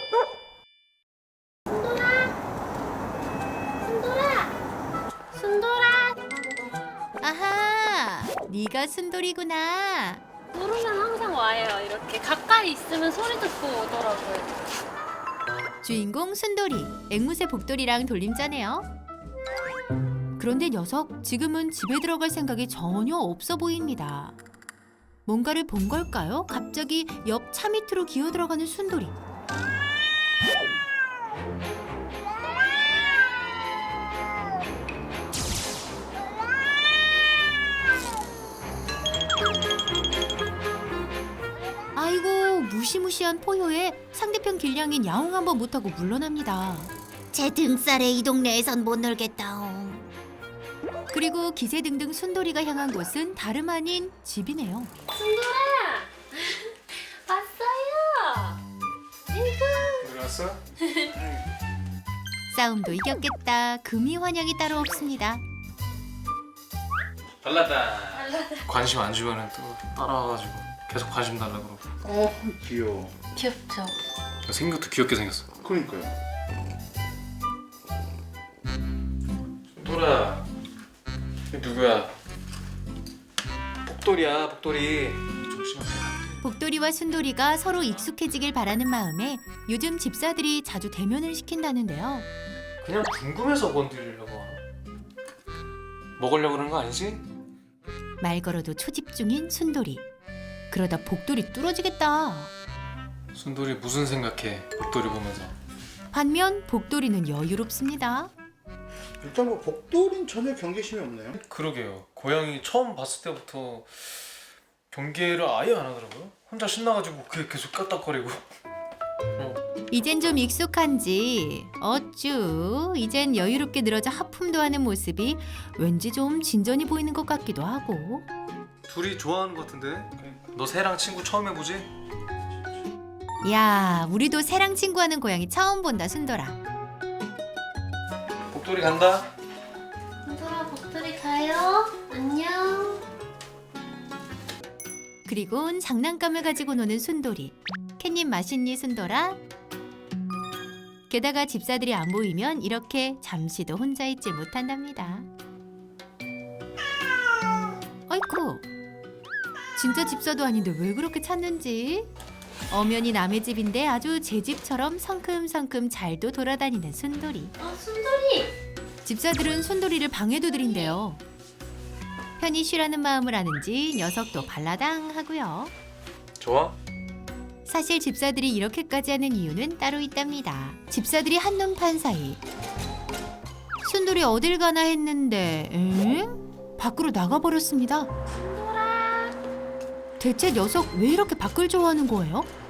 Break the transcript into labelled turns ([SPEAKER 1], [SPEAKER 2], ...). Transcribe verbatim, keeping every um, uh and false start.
[SPEAKER 1] 순돌아!
[SPEAKER 2] 아하, 네가 순돌이구나.
[SPEAKER 1] 부르면 항상 와요. 이렇게 가까이 있으면 소리 듣고 오더라고요.
[SPEAKER 2] 주인공 순돌이, 앵무새 복돌이랑 돌림자네요. 그런데 녀석 지금은 집에 들어갈 생각이 전혀 없어 보입니다. 뭔가를 본 걸까요? 갑자기 옆 차 밑으로 기어 들어가는 순돌이. 아이고, 무시무시한 포효에 상대편 길냥인 야옹 한번 못하고 물러납니다.
[SPEAKER 3] 제 등살에 이 동네에선 못 놀겠다옹.
[SPEAKER 2] 그리고 기세등등 순돌이가 향한 곳은 다름 아닌 집이네요.
[SPEAKER 1] 순돌아! 왔어요! 아이고!
[SPEAKER 4] 어디 갔어?
[SPEAKER 2] 싸움도 이겼겠다. 금이 환영이 따로 없습니다.
[SPEAKER 4] 달라다. 관심 안 주면은 또 따라와가지고 계속 관심 달라 그러고.
[SPEAKER 5] 어 귀여워.
[SPEAKER 1] 귀엽죠?
[SPEAKER 4] 생긴 것도 귀엽게 생겼어.
[SPEAKER 5] 그러니까요.
[SPEAKER 4] 돌아. 누구야? 복돌이야, 복돌이. 조심하세요.
[SPEAKER 2] 복돌이와 순돌이가 서로 익숙해지길 바라는 마음에 요즘 집사들이 자주 대면을 시킨다는데요.
[SPEAKER 4] 그냥 궁금해서 건드리려고 하나? 먹으려고 그러는 거 아니지?
[SPEAKER 2] 말 걸어도 초집중인 순돌이. 그러다 복돌이 뚫어지겠다.
[SPEAKER 4] 순돌이 무슨 생각해? 복돌이 보면서.
[SPEAKER 2] 반면 복돌이는 여유롭습니다.
[SPEAKER 5] 일단 뭐 복돌은 전혀 경계심이 없네요.
[SPEAKER 4] 그러게요. 고양이 처음 봤을 때부터 경계를 아예 안 하더라고요. 혼자 신나가지고 그게 계속 깍딱거리고. 어.
[SPEAKER 2] 이젠 좀 익숙한지 어쭈 이젠 여유롭게 늘어져 하품도 하는 모습이 왠지 좀 진전이 보이는 것 같기도 하고.
[SPEAKER 4] 둘이 좋아하는 것 같은데? 너 새랑 친구 처음 해보지?
[SPEAKER 2] 야, 우리도 새랑 친구하는 고양이 처음 본다, 순돌아.
[SPEAKER 4] 복돌이 간다.
[SPEAKER 1] 순돌아, 복돌이 가요. 안녕.
[SPEAKER 2] 그리곤 장난감을 가지고 노는 순돌이. 캣님 맛있니, 순돌아? 게다가 집사들이 안 보이면 이렇게 잠시도 혼자 있지 못한답니다. 아이쿠, 진짜 집사도 아닌데 왜 그렇게 찾는지. 엄연히 남의 집인데 아주 제 집처럼 성큼성큼 잘도 돌아다니는 순돌이.
[SPEAKER 1] 어, 순돌이!
[SPEAKER 2] 집사들은 순돌이를 방해도 들인대요. 편히 쉬라는 마음을 아는지 녀석도 발라당 하고요.
[SPEAKER 4] 좋아?
[SPEAKER 2] 사실 집사들이 이렇게까지 하는 이유는 따로 있답니다. 집사들이 한눈판 사이 순돌이 어딜 가나 했는데 응? 밖으로 나가버렸습니다.
[SPEAKER 1] 순돌아!
[SPEAKER 2] 대체 녀석 왜 이렇게 밖을 좋아하는 거예요?